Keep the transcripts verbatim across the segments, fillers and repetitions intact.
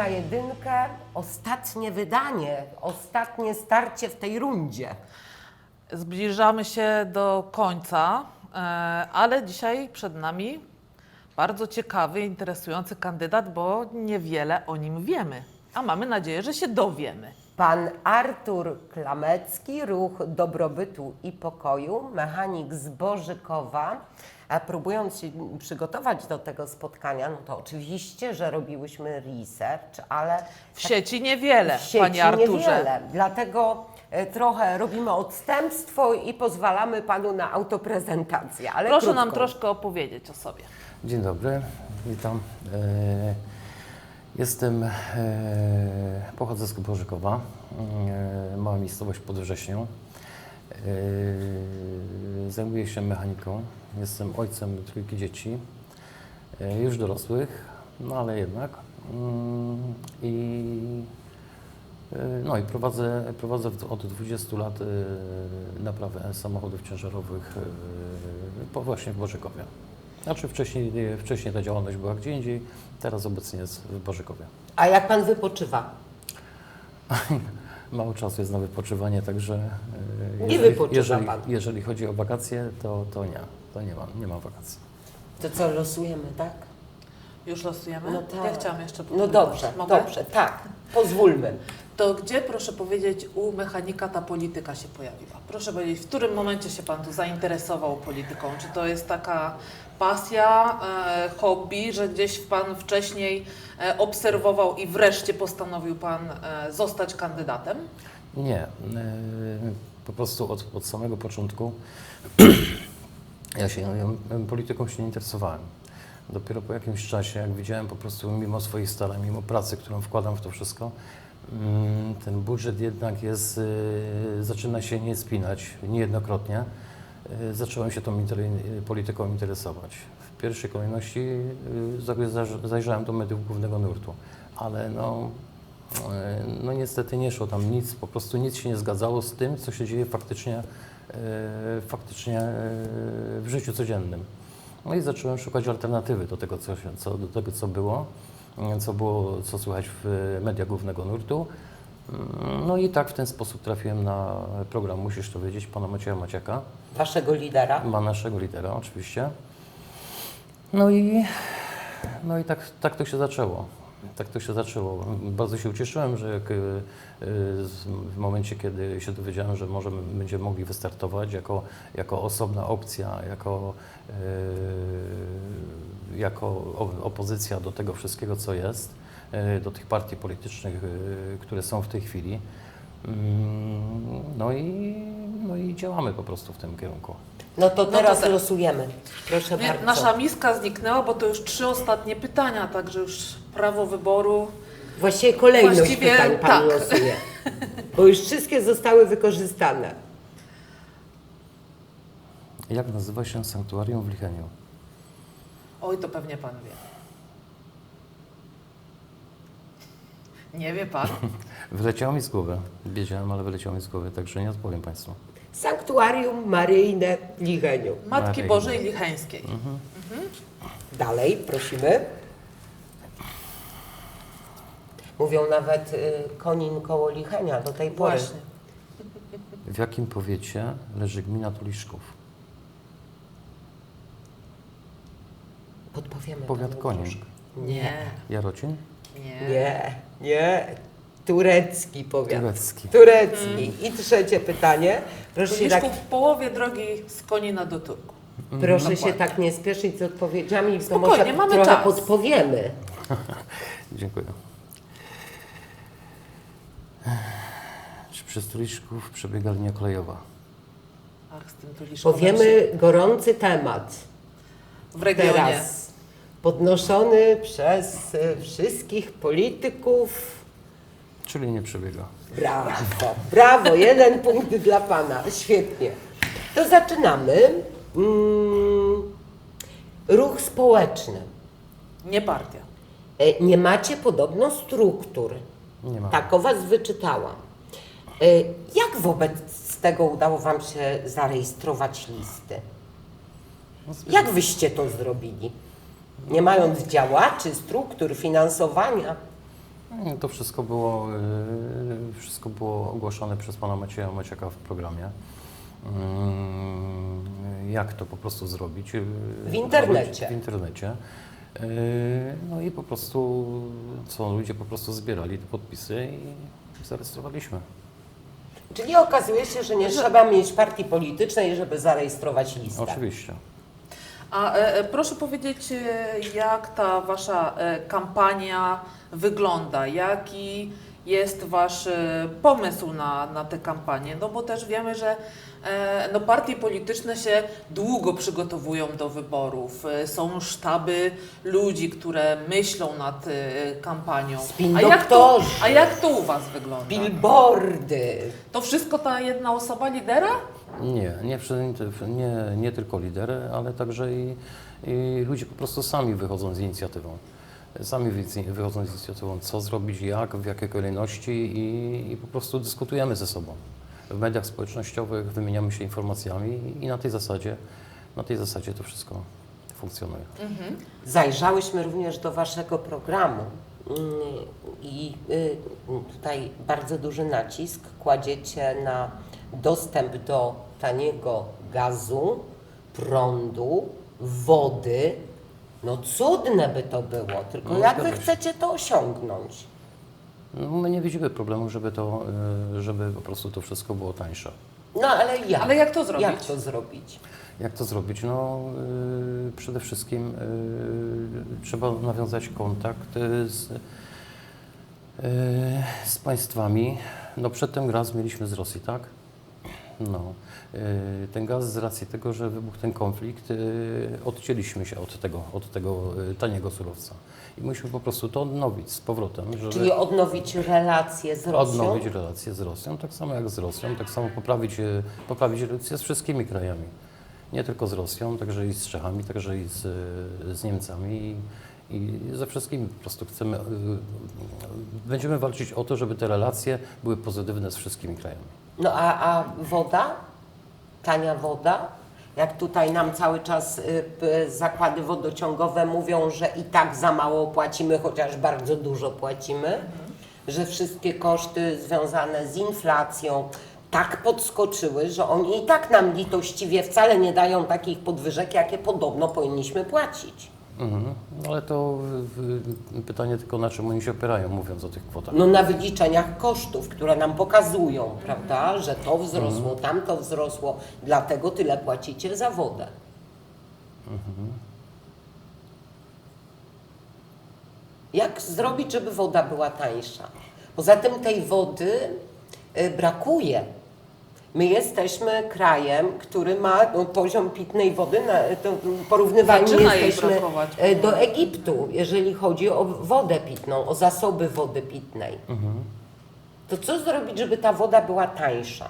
na jedynkę, ostatnie wydanie, ostatnie starcie w tej rundzie. Zbliżamy się do końca, e, ale dzisiaj przed nami bardzo ciekawy, interesujący kandydat, bo niewiele o nim wiemy, a mamy nadzieję, że się dowiemy. Pan Artur Klamecki, Ruch Dobrobytu i Pokoju, mechanik z Bożykowa. A próbując się przygotować do tego spotkania, no to oczywiście, że robiłyśmy research, ale W sieci niewiele, w sieci panie Arturze. niewiele. Dlatego e, trochę robimy odstępstwo i pozwalamy panu na autoprezentację. Ale Proszę krótko. nam troszkę opowiedzieć o sobie. Dzień dobry, witam. E, Jestem, e, pochodzę z Bożykowa, e, mała miejscowość pod Wrześnią. E, Zajmuję się mechaniką, jestem ojcem trójki dzieci, e, już dorosłych, no ale jednak. Mm, I, e, no i prowadzę, prowadzę w- od dwudziestu lat e, naprawę samochodów ciężarowych e, po właśnie w Bożykowie. Znaczy wcześniej, wcześniej ta działalność była gdzie indziej, teraz obecnie jest w Bożykowie. A jak pan wypoczywa? Mało czasu jest na wypoczywanie, także e, Nie jeżeli, wypoczywa jeżeli, pan. jeżeli chodzi o wakacje, to, to nie, to nie ma, nie ma wakacji. To co, losujemy, tak? Już losujemy? No tak. Ja chciałam jeszcze No powiedzieć. dobrze, Mogę? dobrze, tak. Pozwólmy. To gdzie, proszę powiedzieć, u mechanika ta polityka się pojawiła? Proszę powiedzieć, w którym momencie się Pan tu zainteresował polityką? Czy to jest taka pasja, e, hobby, że gdzieś Pan wcześniej e, obserwował i wreszcie postanowił Pan e, zostać kandydatem? Nie, e, po prostu od, od samego początku ja się ja polityką się nie interesowałem. Dopiero po jakimś czasie, jak widziałem po prostu mimo swoich starań, mimo pracy, którą wkładam w to wszystko, mm, ten budżet jednak jest, y, zaczyna się nie spinać niejednokrotnie. Y, Zacząłem się tą inter, polityką interesować. W pierwszej kolejności y, za- za- zajrzałem do mediów głównego nurtu, ale no, y, no niestety nie szło tam nic, po prostu nic się nie zgadzało z tym, co się dzieje faktycznie, y, faktycznie y, w życiu codziennym. No i zacząłem szukać alternatywy do tego, co, się, co, do tego, co było, co było, co słychać w mediach głównego nurtu. No i tak w ten sposób trafiłem na program Musisz to wiedzieć, pana Macieja Maciaka, Waszego lidera. ma naszego lidera oczywiście. No i, no i tak, tak to się zaczęło. Tak to się zaczęło. Bardzo się ucieszyłem, że jak, y, z- w momencie, kiedy się dowiedziałem, że możemy, będziemy mogli wystartować jako, jako osobna opcja, jako, y, jako o- opozycja do tego wszystkiego, co jest, y, do tych partii politycznych, y, które są w tej chwili. Mm, No i, no i działamy po prostu w tym kierunku. No to to teraz tak. losujemy. Proszę Nie, bardzo. nasza miska zniknęła, bo to już trzy ostatnie pytania, także już prawo wyboru. Właściwie kolejność Właściwie pytań pan tak. losuje. Bo już wszystkie zostały wykorzystane. Jak nazywa się sanktuarium w Licheniu? Oj, to pewnie Pan wie. Nie wie Pan? Wyleciało mi z głowy. Wiedziałem, ale wyleciało mi z głowy, także nie odpowiem Państwu. Sanktuarium Maryjne w Licheniu. Matki Maryjne. Bożej Licheńskiej. Dalej, prosimy. Mówią nawet y, Konin koło Lichenia do tej pory. Właśnie. W jakim powiecie leży gmina Tuliszków? Podpowiemy Powiat panu Konin. troszkę. Nie, Jarocin? nie. Nie, nie. Turecki powiat. Turecki. Turecki. I trzecie pytanie. Proszę się tak, Tuliszków w połowie drogi z Konina do Turku. proszę się Dokładnie. tak nie spieszyć z odpowiedziami, to Spokojnie, może mamy trochę czas. podpowiemy. Dziękuję. Czy przez Tuliszków przebiega linia kolejowa? Ach, z tym Tuliszkowem Powiemy gorący temat. w regionie. Teraz podnoszony przez y, wszystkich polityków. Czyli nie przebiega. Brawo, brawo, jeden punkt dla Pana, świetnie. To zaczynamy. Mm, ruch społeczny. Nie partia. E, Nie macie podobno struktur. Nie ma. Tak o Was wyczytałam. E, Jak wobec tego udało Wam się zarejestrować listy? Jak Wyście to zrobili? Nie mając działaczy, struktur, finansowania? To wszystko było, y, wszystko było ogłaszane przez pana Macieja Maciaka w programie. Mm, Jak to po prostu zrobić? y, W internecie. W internecie. Y, No i po prostu, co ludzie po prostu zbierali te podpisy i zarejestrowaliśmy. Czyli okazuje się, że nie trzeba mieć partii politycznej, żeby zarejestrować listę. Oczywiście. A e, e, proszę powiedzieć, e, jak ta wasza e, kampania wygląda? Jaki jest wasz e, pomysł na, na tę kampanię? No bo też wiemy, że e, no, partie polityczne się długo przygotowują do wyborów. E, są sztaby ludzi, które myślą nad e, kampanią. Spin A jak, to, doktorzy. a jak to u was wygląda? Billboardy. To wszystko ta jedna osoba lidera? Nie, nie, przy- nie, nie tylko lidery, ale także i, i ludzie po prostu sami wychodzą z inicjatywą. Sami wy- wychodzą z inicjatywą, co zrobić, jak, w jakiej kolejności i, i po prostu dyskutujemy ze sobą. W mediach społecznościowych wymieniamy się informacjami i na tej zasadzie, na tej zasadzie to wszystko funkcjonuje. Zajrzałyśmy również do Waszego programu mm, i y, tutaj bardzo duży nacisk kładziecie na dostęp do taniego gazu, prądu, wody. No cudne by to było, tylko No, jak Wy zgadza się. chcecie to osiągnąć? No, my nie widzimy problemu, żeby, to, y, żeby po prostu to wszystko było tańsze. No ale jak? Ale jak to zrobić? Jak to zrobić? Jak to zrobić? No, y, przede wszystkim y, trzeba nawiązać kontakt y, z, y, z państwami. No, przedtem gaz mieliśmy z Rosji, tak? No, y, ten gaz z racji tego, że wybuchł ten konflikt, y, odcięliśmy się od tego, od tego y, taniego surowca. I musimy po prostu to odnowić z powrotem, żeby Czyli odnowić relacje z Rosją? odnowić relacje z Rosją, tak samo jak z Rosją, tak samo poprawić, y, poprawić relacje z wszystkimi krajami. Nie tylko z Rosją, także i z Czechami, także i z, z Niemcami i, i ze wszystkimi po prostu chcemy, y, y, będziemy walczyć o to, żeby te relacje były pozytywne z wszystkimi krajami. No a, a woda? Tania woda? Jak tutaj nam cały czas y, p- zakłady wodociągowe mówią, że i tak za mało płacimy, chociaż bardzo dużo płacimy, że wszystkie koszty związane z inflacją tak podskoczyły, że oni i tak nam litościwie wcale nie dają takich podwyżek, jakie podobno powinniśmy płacić. Mhm. No ale to y, y, pytanie tylko na czym oni się opierają, mówiąc o tych kwotach. No na wyliczeniach kosztów, które nam pokazują, prawda, że to wzrosło, tamto wzrosło, dlatego tyle płacicie za wodę. Jak zrobić, żeby woda była tańsza? Poza tym tej wody y, brakuje. My jesteśmy krajem, który ma no, poziom pitnej wody, na, to porównywalnie Zaczyna jej jesteśmy brakować. y, do Egiptu, jeżeli chodzi o wodę pitną, o zasoby wody pitnej. To co zrobić, żeby ta woda była tańsza?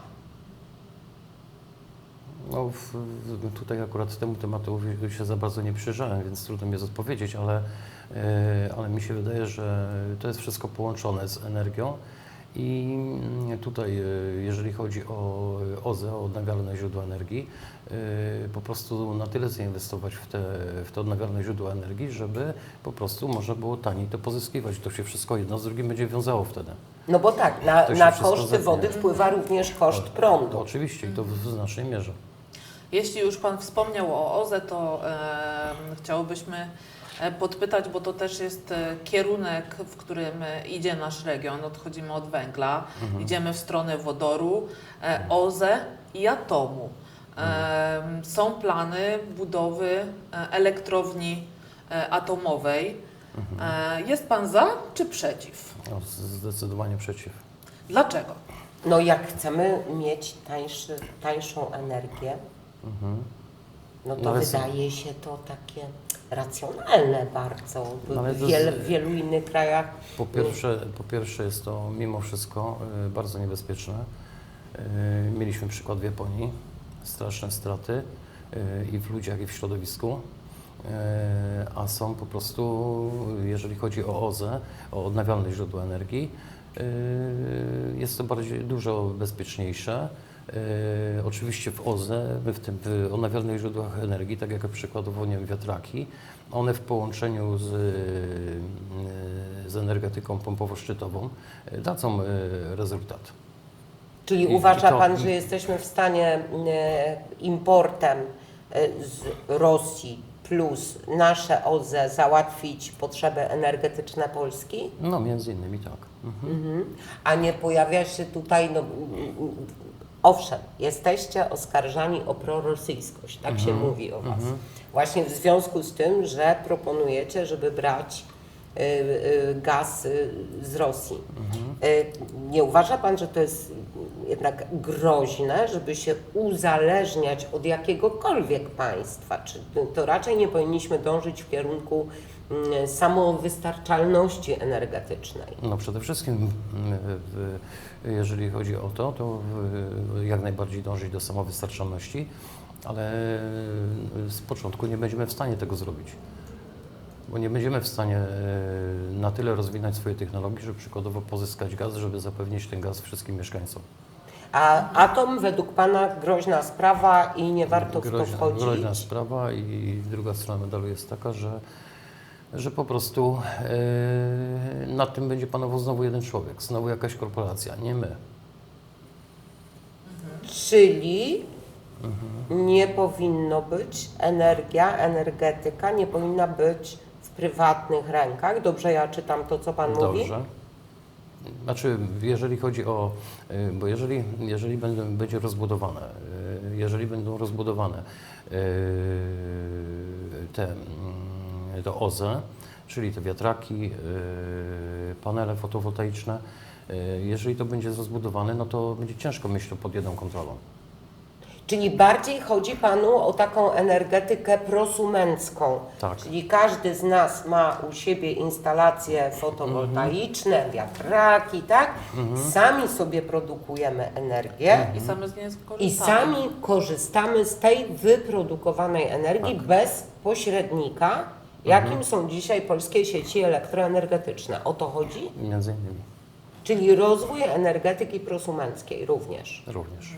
No, w, w, tutaj akurat temu tematowi się za bardzo nie przyjrzałem, więc trudno mi jest odpowiedzieć, ale, e, ale mi się wydaje, że to jest wszystko połączone z energią i mm, tutaj, e, jeżeli chodzi o O Z E, o odnawialne źródła energii, e, po prostu na tyle zainwestować w te, w te odnawialne źródła energii, żeby po prostu można było taniej to pozyskiwać. To się wszystko jedno z drugim będzie wiązało wtedy. No bo tak, na, To się na wszystko koszty zepnie. wody wpływa również koszt prądu. Oczywiście i to w, w znacznej mierze. Jeśli już Pan wspomniał o O Z E, to e, chciałobyśmy e, podpytać, bo to też jest e, kierunek, w którym e, idzie nasz region. Odchodzimy od węgla, idziemy w stronę wodoru, e, O Z E i atomu. E, są plany budowy e, elektrowni e, atomowej. E, jest Pan za czy przeciw? No, zdecydowanie przeciw. Dlaczego? No jak chcemy mieć tańszy, tańszą energię, no to No ale wydaje się to takie racjonalne bardzo. W Ale to wiel, z- w wielu innych krajach Po pierwsze, po pierwsze jest to mimo wszystko y, bardzo niebezpieczne. Y, Mieliśmy przykład w Japonii, straszne straty y, i w ludziach, i w środowisku. Y, A są po prostu, jeżeli chodzi o O Z E, o odnawialne źródła energii, y, jest to bardziej dużo bezpieczniejsze. E, oczywiście w O Z E, w tym w odnawialnych źródłach energii, tak jak przykładowo nie wiem, wiatraki, one w połączeniu z, e, z energetyką pompowo-szczytową e, dadzą e, rezultat. Czyli I- uważa i to- Pan, że jesteśmy w stanie e, importem e, z Rosji plus nasze O Z E załatwić potrzeby energetyczne Polski? No między innymi tak. Mhm. Mhm. A nie pojawia się tutaj, no, mm, mm, owszem, jesteście oskarżani o prorosyjskość, tak się mówi o Was. Właśnie w związku z tym, że proponujecie, żeby brać y, y, gaz y, z Rosji. Y, nie uważa Pan, że to jest jednak groźne, żeby się uzależniać od jakiegokolwiek państwa? Czy to raczej nie powinniśmy dążyć w kierunku mm, samowystarczalności energetycznej? No przede wszystkim, mm, w, jeżeli chodzi o to, to w, jak najbardziej dążyć do samowystarczalności, ale z początku nie będziemy w stanie tego zrobić. Bo nie będziemy w stanie e, na tyle rozwinąć swoje technologie, żeby przykładowo pozyskać gaz, żeby zapewnić ten gaz wszystkim mieszkańcom. A atom według Pana groźna sprawa i nie warto w to Groźna, wchodzić? groźna sprawa i druga strona medalu jest taka, że, że po prostu e, nad tym będzie panował znowu jeden człowiek, znowu jakaś korporacja, nie my. Czyli nie powinno być energia, energetyka nie powinna być w prywatnych rękach. Dobrze ja czytam to, co Pan mówi? Dobrze. Znaczy, jeżeli chodzi o, y, bo jeżeli, jeżeli będą, będzie rozbudowane, y, jeżeli będą rozbudowane y, te, mm, to O Z E, czyli te wiatraki, y, panele fotowoltaiczne, y, jeżeli to będzie rozbudowane, no to będzie ciężko mieć to pod jedną kontrolą. Czyli bardziej chodzi Panu o taką energetykę prosumencką. Tak. Czyli każdy z nas ma u siebie instalacje fotowoltaiczne, wiatraki, tak? Sami sobie produkujemy energię. I same z niej skorzystamy. I sami korzystamy z tej wyprodukowanej energii bez pośrednika, jakim są dzisiaj polskie sieci elektroenergetyczne. O to chodzi? Między innymi Czyli rozwój energetyki prosumenckiej również. również.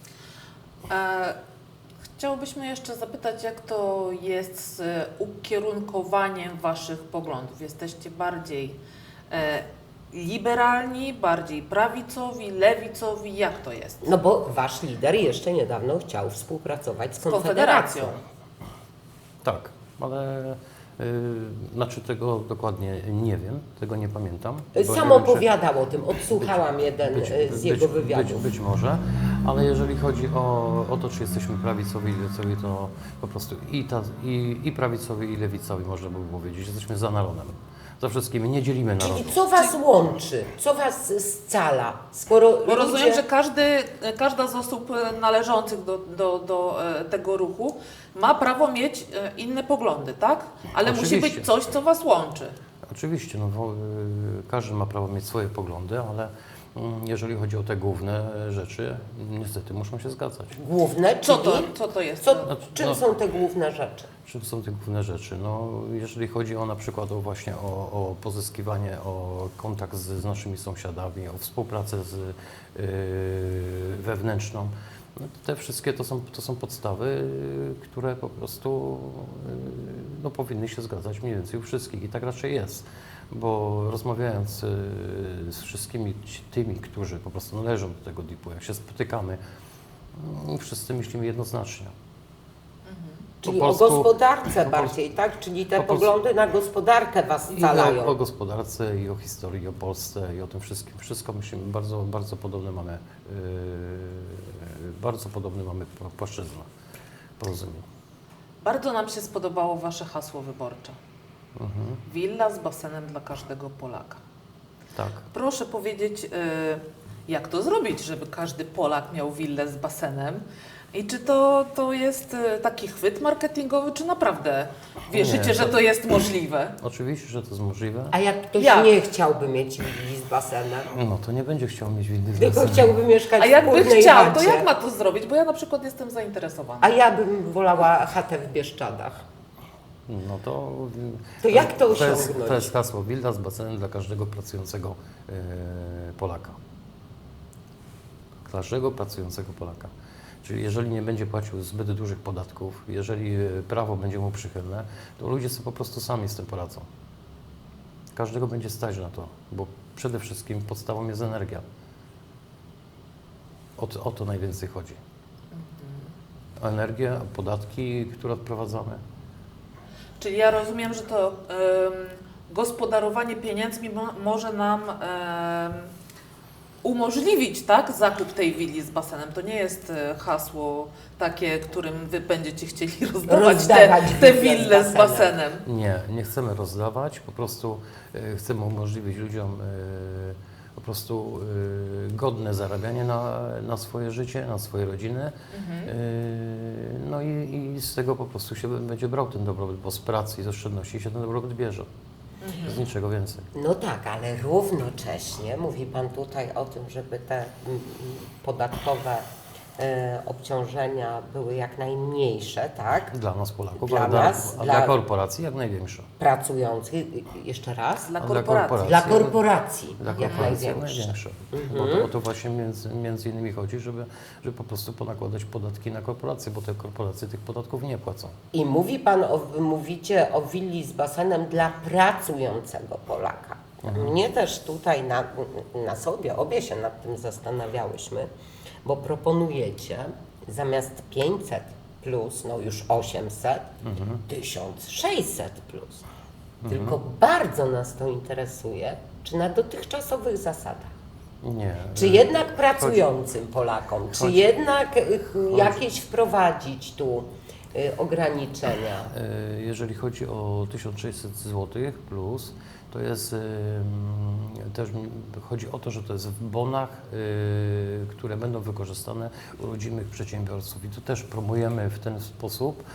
E, chciałbyśmy jeszcze zapytać, jak to jest z ukierunkowaniem Waszych poglądów? Jesteście bardziej e, liberalni, bardziej prawicowi, lewicowi? Jak to jest? No bo Wasz lider jeszcze niedawno chciał współpracować z Z Konfederacją. Konfederacją. Tak, ale y, znaczy tego dokładnie nie wiem, tego nie pamiętam. bo Sam nie wiem, czy- opowiadał o tym, odsłuchałam jeden Być, e, z być, jego być, wywiadów. być może, ale jeżeli chodzi o, o to, czy jesteśmy prawicowi i lewicowi, to po prostu i, ta, i, i prawicowi, i lewicowi można by powiedzieć. Jesteśmy za narodem, za wszystkimi, nie dzielimy narodu. Czyli co Was łączy? Co Was scala? Skoro Bo ludzie... rozumiem, że każdy, każda z osób e, należących do, do, do e, tego ruchu ma prawo mieć e, inne poglądy, tak? Ale musi Oczywiście. być coś, co Was łączy. Oczywiście, no, bo, y, każdy ma prawo mieć swoje poglądy, ale mm, jeżeli chodzi o te główne rzeczy, niestety muszą się zgadzać. Główne, Co czyli... to, co to jest? Co, Znaczy, czym no- są te główne rzeczy? Czym są te główne rzeczy? No, jeżeli chodzi o na przykład o właśnie o, o pozyskiwanie, o kontakt z, z naszymi sąsiadami, o współpracę z, yy, wewnętrzną, no, te wszystkie to są, to są podstawy, yy, które po prostu yy, no, powinny się zgadzać mniej więcej u wszystkich i tak raczej jest. Bo rozmawiając yy, z wszystkimi ci- tymi, którzy po prostu należą do tego dipu, jak się spotykamy, yy, wszyscy myślimy jednoznacznie. Czyli Po o prostu- gospodarce po bardziej, tak? Czyli te po prostu- poglądy na gospodarkę Was I scalają. o, o gospodarce, i o historii, i o Polsce, i o tym wszystkim. Wszystko myślimy, bardzo, bardzo podobne mamy, yy, bardzo podobny mamy pł- płaszczyznę porozumień. Bardzo nam się spodobało Wasze hasło wyborcze. Mhm. Willa z basenem dla każdego Polaka. Tak. Proszę powiedzieć, y, jak to zrobić, żeby każdy Polak miał willę z basenem? I czy to, to jest y, taki chwyt marketingowy, czy naprawdę wierzycie, Nie, że to- to jest możliwe? Oczywiście, że to jest możliwe. A jak ktoś Jak? nie chciałby mieć willi z basenem, No to nie będzie chciał mieć windy z tylko basenem. chciałby mieszkać A w jakby wspólnej chciał, to chacie. jak ma to zrobić? Bo ja na przykład jestem zainteresowana. A ja bym wolała chatę w Bieszczadach. No to, To jak to to jest, osiągnąć? to jest hasło willa z basenem dla każdego pracującego yy, Polaka. każdego pracującego Polaka. Czyli jeżeli nie będzie płacił zbyt dużych podatków, jeżeli e, prawo będzie mu przychylne, to ludzie sobie po prostu sami z tym poradzą. Każdego będzie stać na to, bo przede wszystkim podstawą jest energia. O, to- o to najwięcej chodzi. O energię, o podatki, które odprowadzamy. Czyli ja rozumiem, że to em, gospodarowanie pieniędzmi mo może nam em, umożliwić, tak, zakup tej willi z basenem. To nie jest e, hasło takie, którym wy będziecie chcieli rozdawać, Rozdawać te, te wille z wille z basenem. basenem. Nie, nie chcemy rozdawać, po prostu e, chcemy umożliwić ludziom e, po prostu e, godne zarabianie na, na swoje życie, na swoje rodziny. E, no i, i z tego po prostu się będzie brał ten dobrobyt, bo z pracy i z oszczędności się ten dobrobyt bierze. Z niczego więcej. No tak, ale równocześnie mówi Pan tutaj o tym, żeby te mm, mm, podatkowe e, obciążenia były jak najmniejsze, tak? Dla nas Polaków, Dla a dla, nas, a dla- dla korporacji jak największe. Pracujących, jeszcze raz, Dla A dla korporacji. korporacji. dla korporacji Dla jak korporacji jak największe. największe. Bo to, o to właśnie między, między innymi chodzi, żeby, żeby po prostu ponakładać podatki na korporacje, bo te korporacje tych podatków nie płacą. I mówi Pan, o, mówicie o willi z basenem dla pracującego Polaka. Mnie też tutaj na, na sobie, obie się nad tym zastanawiałyśmy, bo proponujecie zamiast pięćset plus, no już osiemset, tysiąc sześćset plus. Tylko bardzo nas to interesuje, czy na dotychczasowych zasadach. Nie. Czy e, jednak pracującym Polakom, czy chodzi- jednak y, jakieś wprowadzić tu y, ograniczenia? E, Jeżeli chodzi o tysiąc sześćset złotych plus, to jest e, mm, też m, chodzi o to, że to jest w bonach, e, które będą wykorzystane u rodzimych przedsiębiorców i to też promujemy w ten sposób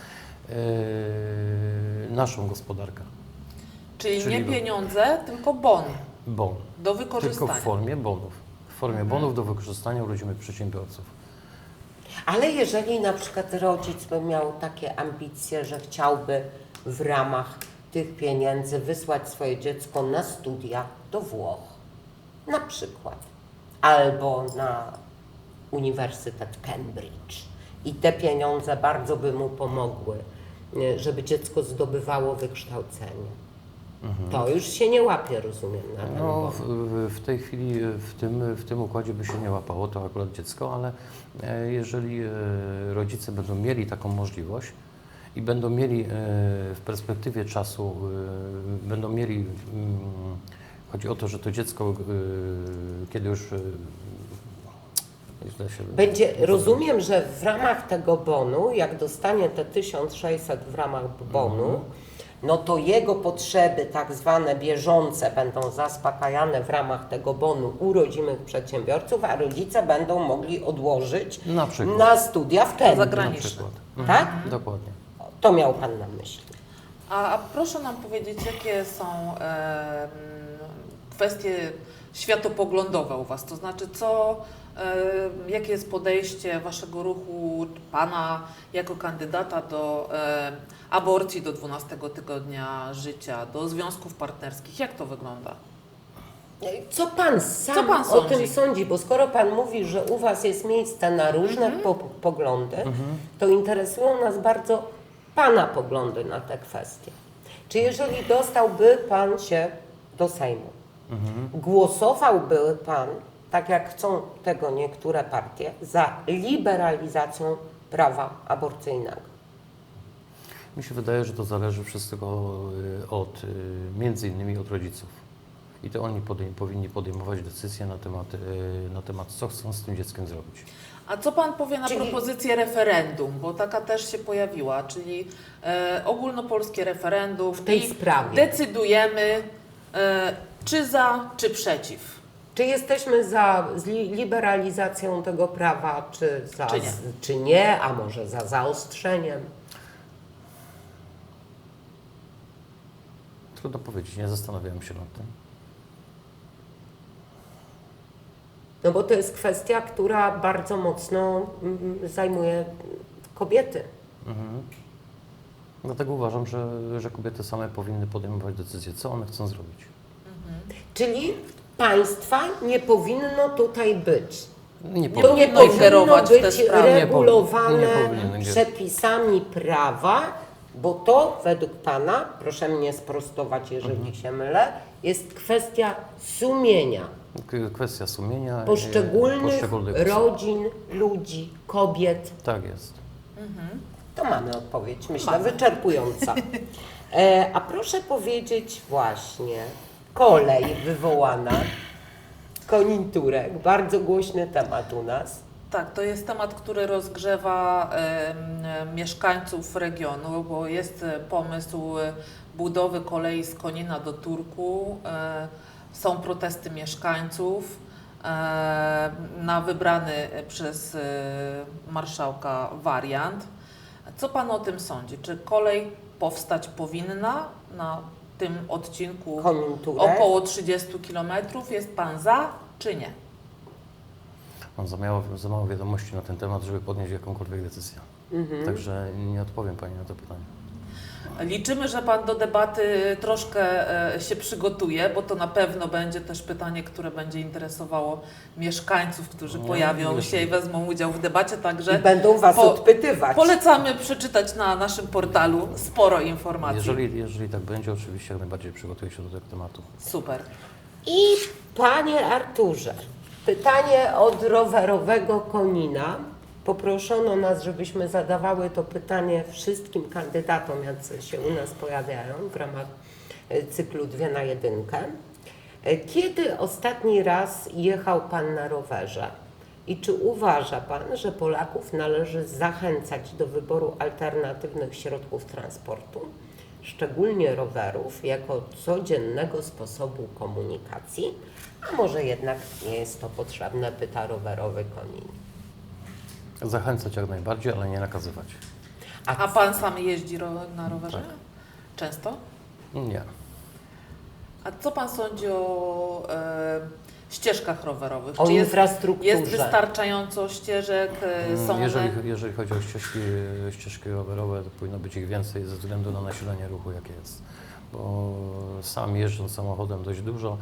e, naszą gospodarkę. Czyli, Czyli nie do- pieniądze, tylko bon Bon. do Tylko wykorzystania. w formie bonów. W formie bonów do wykorzystania u rodzimych przedsiębiorców. Ale jeżeli na przykład rodzic by miał takie ambicje, że chciałby w ramach tych pieniędzy wysłać swoje dziecko na studia do Włoch, na przykład, albo na Uniwersytet Cambridge i te pieniądze bardzo by mu pomogły, y, żeby dziecko zdobywało wykształcenie. To już się nie łapie, rozumiem, na ten No, bon. w, w- w tej chwili w tym, w tym układzie by się nie łapało to akurat dziecko, ale e, jeżeli e, rodzice będą mieli taką możliwość i będą mieli e, w perspektywie czasu, e, będą mieli, mm, chodzi o to, że to dziecko, e, kiedy już e, źle się Będzie, rozumiem, że w ramach tego bonu, jak dostanie te tysiąc sześćset w ramach bonu, no to jego potrzeby tak zwane bieżące będą zaspokajane w ramach tego bonu u rodzimych przedsiębiorców, a rodzice będą mogli odłożyć Na przykład. na studia w Cambridge. na zagraniczne. przykład. Tak? Dokładnie. To miał Pan na myśli. A, a proszę nam powiedzieć, jakie są em, kwestie światopoglądowe u Was? To znaczy, co, em, jakie jest podejście Waszego ruchu, Pana jako kandydata do em, aborcji do dwunastego tygodnia życia, do związków partnerskich? Jak to wygląda? Co Pan sam Co pan o sądzi? tym sądzi? Bo skoro Pan mówi, że u Was jest miejsce na różne Mhm. po poglądy, to interesują nas bardzo Pana poglądy na te kwestie. Czy jeżeli dostałby Pan się do Sejmu, głosowałby Pan, tak jak chcą tego niektóre partie, za liberalizacją prawa aborcyjnego? Mi się wydaje, że to zależy wszystko y, od, y, między innymi od rodziców. I to oni podej powinni podejmować decyzje na temat, y, na temat, co chcą z tym dzieckiem zrobić. A co Pan powie na Czyli- propozycję referendum, bo taka też się pojawiła, czyli e, ogólnopolskie referendum W tej i sprawie. decydujemy e, czy za, czy przeciw. Czy jesteśmy za zli- liberalizacją tego prawa, czy, za, Czy nie? z- czy nie, a może za zaostrzeniem? Trudno powiedzieć, nie zastanawiałem się nad tym. No bo to jest kwestia, która bardzo mocno mm, zajmuje kobiety. Mhm. Dlatego uważam, że, że kobiety same powinny podejmować decyzje, co one chcą zrobić. Czyli państwa nie powinno tutaj być. Nie To nie powinno powinno ingerować w te być sprawy. regulowane Nie powinien ingerować. przepisami prawa, bo to według Pana, proszę mnie sprostować, jeżeli Mhm. się mylę, jest kwestia sumienia K- Kwestia sumienia. e, poszczególnych poszczególnych osób. rodzin, ludzi, kobiet. Tak jest. To mamy odpowiedź, myślę, Mamy. wyczerpująca. E, a proszę powiedzieć właśnie, kolej wywołana, koniunkturek, bardzo głośny temat u nas. Tak, to jest temat, który rozgrzewa em, mieszkańców regionu, bo jest e, pomysł e, budowy kolei z Konina do Turku. E, są protesty mieszkańców e, na wybrany przez e, marszałka wariant. Co Pan o tym sądzi? Czy kolej powstać powinna na tym odcinku Koniunkturek. około trzydziestu kilometrów? Jest Pan za, czy nie? Mam za mało, za mało wiadomości na ten temat, żeby podjąć jakąkolwiek decyzję. Mhm. Także nie odpowiem Pani na to pytanie. Liczymy, że Pan do debaty troszkę e, się przygotuje, bo to na pewno będzie też pytanie, które będzie interesowało mieszkańców, którzy No, pojawią nie się i wiem. wezmą udział w debacie, także I będą Was po- odpytywać. polecamy przeczytać na naszym portalu sporo informacji. Jeżeli, jeżeli tak będzie, oczywiście jak najbardziej przygotuję się do tego tematu. Super. I Panie Arturze, pytanie od rowerowego Konina. Poproszono nas, żebyśmy zadawały to pytanie wszystkim kandydatom, jacy się u nas pojawiają w ramach e, cyklu Dwie na jedynkę. E, Kiedy ostatni raz jechał Pan na rowerze? I czy uważa Pan, że Polaków należy zachęcać do wyboru alternatywnych środków transportu, szczególnie rowerów, jako codziennego sposobu komunikacji? A może jednak nie jest to potrzebne, pyta rowerowy Konin. Zachęcać jak najbardziej, ale nie nakazywać. A Pan sam jeździ ro na rowerze? Tak. Często? Nie. A co Pan sądzi o e, ścieżkach rowerowych? O Czy jest, infrastrukturze. jest wystarczająco ścieżek? E, są one... Jeżeli, jeżeli chodzi o ścieżki, ścieżki rowerowe, to powinno być ich więcej ze względu na nasilenie ruchu, jakie jest. Bo sam jeżdżąc samochodem dość dużo,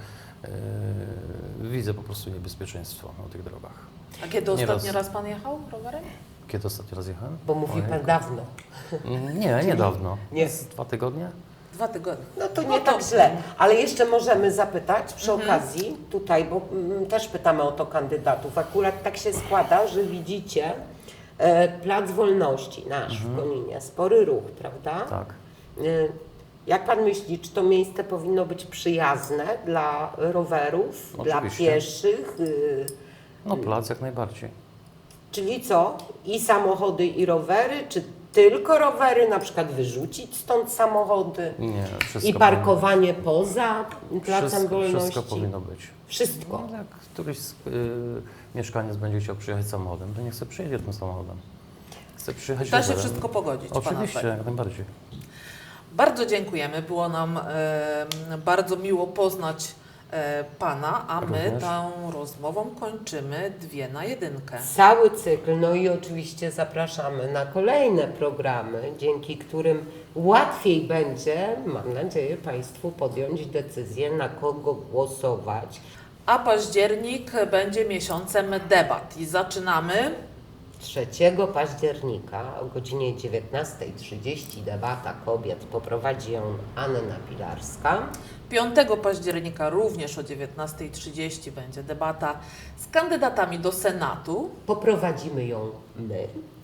yy, widzę po prostu niebezpieczeństwo na tych drogach. A kiedy Nieraz. ostatni raz Pan jechał rowerem? Kiedy ostatni raz jechałem? Bo mówi Ojej. Pan dawno. Nie, niedawno. Nie. Z dwa tygodnie? Dwa tygodnie. No to No nie to- tak źle, ale jeszcze możemy zapytać przy okazji tutaj, bo mm, też pytamy o to kandydatów. Akurat tak się składa, że widzicie e, Plac Wolności nasz w Koninie, spory ruch, prawda? Tak. E, jak Pan myśli, czy to miejsce powinno być przyjazne dla rowerów, dla Oczywiście. pieszych? y, No plac jak najbardziej. Czyli co? I samochody, i rowery? Czy tylko rowery? Na przykład wyrzucić stąd samochody? Nie, wszystko I parkowanie poza powinno, Placem wszystko, Wolności? wszystko powinno być. Wszystko. No, jak któryś z, y, mieszkaniec będzie chciał przyjechać samochodem, to niech sobie przyjedzie tym samochodem. Chce przyjechać Da się rowerem. wszystko pogodzić. Pana Oczywiście, zdaniem. jak najbardziej. Bardzo dziękujemy. Było nam e, bardzo miło poznać e, Pana, a my Również. tą rozmową kończymy Dwie na jedynkę. Cały cykl, no i oczywiście zapraszamy na kolejne programy, dzięki którym łatwiej będzie, mam nadzieję, Państwu podjąć decyzję, na kogo głosować. A październik będzie miesiącem debat i zaczynamy. trzeciego października o godzinie dziewiętnasta trzydzieści debata kobiet, poprowadzi ją Anna Pilarska. piątego października również o dziewiętnasta trzydzieści będzie debata z kandydatami do Senatu. Poprowadzimy ją my.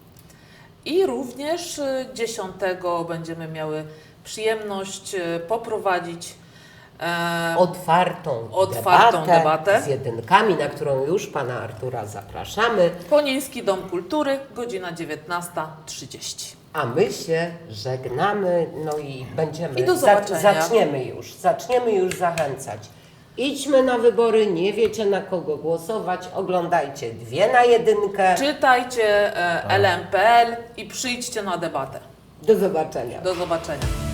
I również y, dziesiątego będziemy miały przyjemność y, poprowadzić e, Otwartą, Otwartą debatę, debatę. z jedynkami, na którą już Pana Artura zapraszamy, Koniński Dom Kultury, godzina dziewiętnasta trzydzieści. a my się żegnamy, no i będziemy, I do zobaczenia. zaczniemy już, zaczniemy już zachęcać. Idźmy na wybory, nie wiecie na kogo głosować, oglądajcie Dwie na jedynkę. Czytajcie e, L M P L i przyjdźcie na debatę. Do zobaczenia. Do zobaczenia.